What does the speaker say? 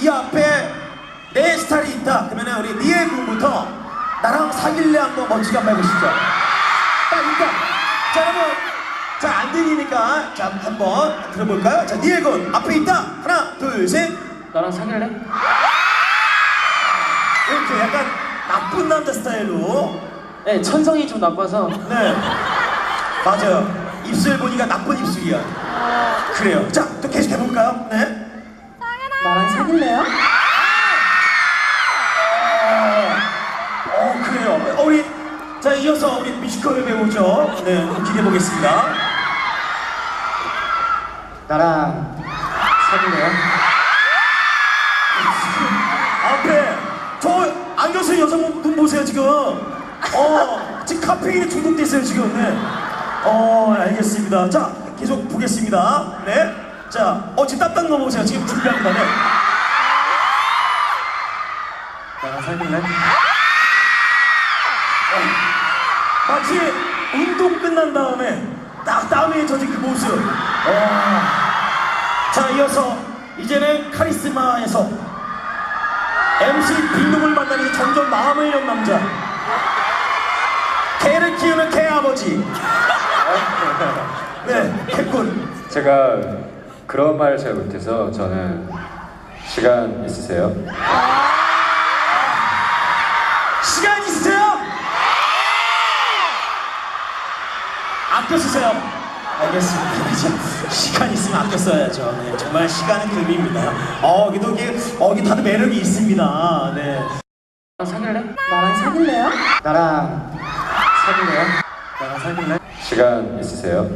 이 앞에 내 스타일이 있다. 그러면 우리 니엘 군부터 나랑 사귈래 한번 멋지게 한번 해보시죠. 자, 일단 자 여러분, 자 안 들리니까 자 한번 들어볼까요? 자 니엘 군 앞에 있다. 하나 둘 셋. 나랑 사귈래? 이렇게 약간 나쁜 남자 스타일로. 네, 천성이 좀 나빠서. 네 맞아요. 입술 보니까 나쁜 입술이야. 그래요. 자 또 계속 해볼까요? 네. 나랑 사귈래요? 그래요. 우리 자 이어서 우리 뮤지컬을 배우죠. 네, 한번 기대해 보겠습니다. 나랑 사귈래요? 앞에 저 안경 쓴 여성분 보세요 지금. 지금 카페인에 중독됐어요 지금. 네. 알겠습니다. 자 계속 보겠습니다. 네. 자, 지금 땀 넘어보세요. 지금 준비합니다. 네. 나랑 사귈래? 마치 운동 끝난 다음에 딱 땀에 젖은 그 모습. 자 이어서 이제는 카리스마에서 MC 빈둥을 만나는 점점 마음을 연 남자, 개를 키우는 개 아버지. 네, 개꾼. 제가 그런 말 잘 못해서 저는 시간 있으세요? 시간 있으세요? 아껴 쓰세요. 알겠습니다. 그죠? 시간 있으면 아껴 써야죠. 네, 정말 시간은 금입니다. 여기도 이게 다들 매력이 있습니다. 네. 나랑 사귈래? 나랑 사귈래요? 나랑 사귈래요? 나랑 사귈래? 시간 있으세요?